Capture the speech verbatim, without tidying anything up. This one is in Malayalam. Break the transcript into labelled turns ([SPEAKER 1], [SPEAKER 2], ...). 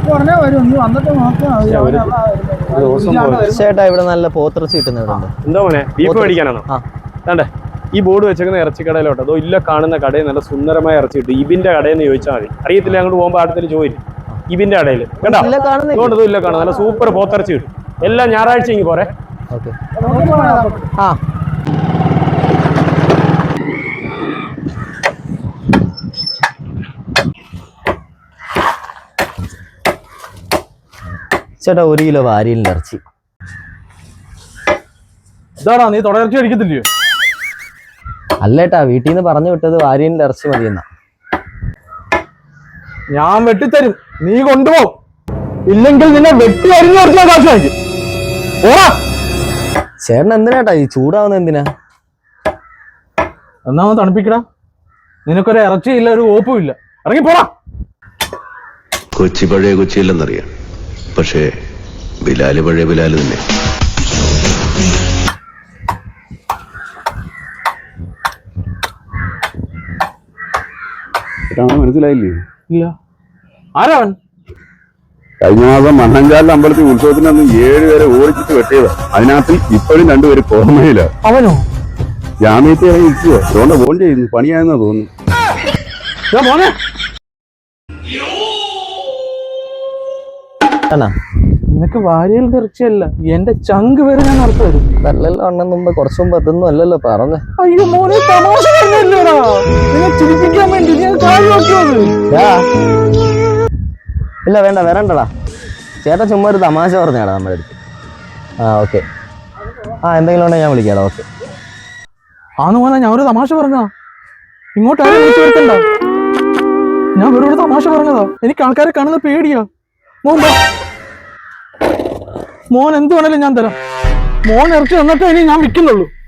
[SPEAKER 1] ചേട്ടാ ഇവിടെ നല്ല പോത്തിറച്ചി കിട്ടുന്നുണ്ട്.
[SPEAKER 2] എന്താ മോനെ, ബീഫ് മേടിക്കാനാണോ? അതെ, ഈ ബോർഡ് വെച്ചേക്കുന്ന ഇറച്ചിക്കടയിലോട്ടോ. അതോ ഇല്ല കാണുന്ന കടയിൽ നല്ല സുന്ദരമായ ഇറച്ചി കിട്ടും. ഇബിന്റെ കടയിൽ നിന്ന് ചോദിച്ചാൽ മതി. അറിയത്തില്ല, അങ്ങോട്ട് പോകുമ്പോൾ അടുത്തൊരു ചോദിച്ചു ഇബിന്റെ കടയിൽ കേട്ടോ. അതുകൊണ്ട് ഇല്ല കാണും, നല്ല സൂപ്പർ പോത്തിറച്ചി കിട്ടും. എല്ലാം ഞായറാഴ്ച ഇങ്ങ് പോരെ.
[SPEAKER 1] ആ ചേട്ടാ ഒരു കിലോ വാരിയലിന്റെ ഇറച്ചി.
[SPEAKER 2] ഇതാടാ, നീ തുടർച്ച അടിക്കത്തില്ലയോ?
[SPEAKER 1] അല്ലേട്ടാ, വീട്ടിൽ നിന്ന് പറഞ്ഞു വിട്ടത് വാരിയലിന്റെ ഇറച്ചി മതിയെന്നാ.
[SPEAKER 2] ഞാൻ വെട്ടിത്തരും, നീ കൊണ്ടുപോകും. ഇല്ലെങ്കിൽ നിന്നെ വെട്ടി അരിഞ്ഞു കൊടുക്കുന്ന കാശ് വാങ്ങിക്കും. ഓടാ.
[SPEAKER 1] ചേട്ടൻ എന്തിനാട്ടാ ഈ ചൂടാവുന്ന? എന്തിനാ?
[SPEAKER 2] എന്നാ തണുപ്പിക്കടാ. നിനക്കൊരു ഇറച്ചിയില്ല, ഒരു ഓപ്പും ഇല്ല. ഇറങ്ങി പോടാ.
[SPEAKER 3] കൊച്ചി പഴയ കൊച്ചിയില്ലെന്നറിയാം, പക്ഷേ ബിലാല് പഴയ ബിലാല് തന്നെ. മനസ്സിലായില്ലേ?
[SPEAKER 2] ഇല്ല. ആരാവൻ?
[SPEAKER 3] കഴിഞ്ഞ മാസം മണ്ണഞ്ചാലിലെ അമ്പലത്തിൽ ഉത്സവത്തിനന്ന് ഏഴ് പേരെ ഓടിച്ചിട്ട് വെട്ടിയതാ. അതിനകത്ത് ഇപ്പോഴും രണ്ടുപേര് കോമയില.
[SPEAKER 2] അവനോ?
[SPEAKER 3] ജാമ്യത്തിൽ ഇറങ്ങി ഇരിക്കുക. അതുകൊണ്ട് ഫോൺ ചെയ്യുന്നു, പണിയായെന്നാ തോന്നുന്നു.
[SPEAKER 2] നിനക്ക് വാരിയലിന്റെ ഇറച്ചിയല്ല, എന്റെ ചങ്ക് വരെ ഞാൻ നടത്തു തരും.
[SPEAKER 1] നല്ലല്ലോ അണ്ണൻ മുമ്പ് കുറച്ചു മുമ്പ് അതൊന്നും അല്ലല്ലോ പറഞ്ഞേ.
[SPEAKER 2] അയ്യോ മോനെ, തമാശ പറഞ്ഞല്ലോടാ. നിന്നെ ചിരിപ്പിക്കാൻ വേണ്ടി ഞാൻ കാര്യം നോക്കിയത്.
[SPEAKER 1] ഇല്ല വേണ്ട, വരണ്ടടാ. ചേട്ടൻ ചുമ്മാ ഒരു തമാശ പറഞ്ഞാടാ നമ്മുടെ അടുത്ത്. ആ ഓക്കെ. ആ എന്തെങ്കിലും ഉണ്ടെങ്കിൽ ഞാൻ വിളിക്കാടാ. ഓക്കെ.
[SPEAKER 2] ആന്ന് മോനെ, ഞാൻ ഒരു തമാശ പറഞ്ഞതാ. ഇങ്ങോട്ട് ആരും വിളിച്ചു വരുത്തണ്ട. ഞാൻ വെറുതെ തമാശ പറഞ്ഞതാ. എനിക്ക് ആൾക്കാരെ കാണുന്ന പേടിയാ. മോൻ മോൻ എന്ത് വേണേലും ഞാൻ തരാം. മോൻ ഇറച്ചി തന്നിട്ടേ ഇനി ഞാൻ വിൽക്കുന്നുള്ളൂ.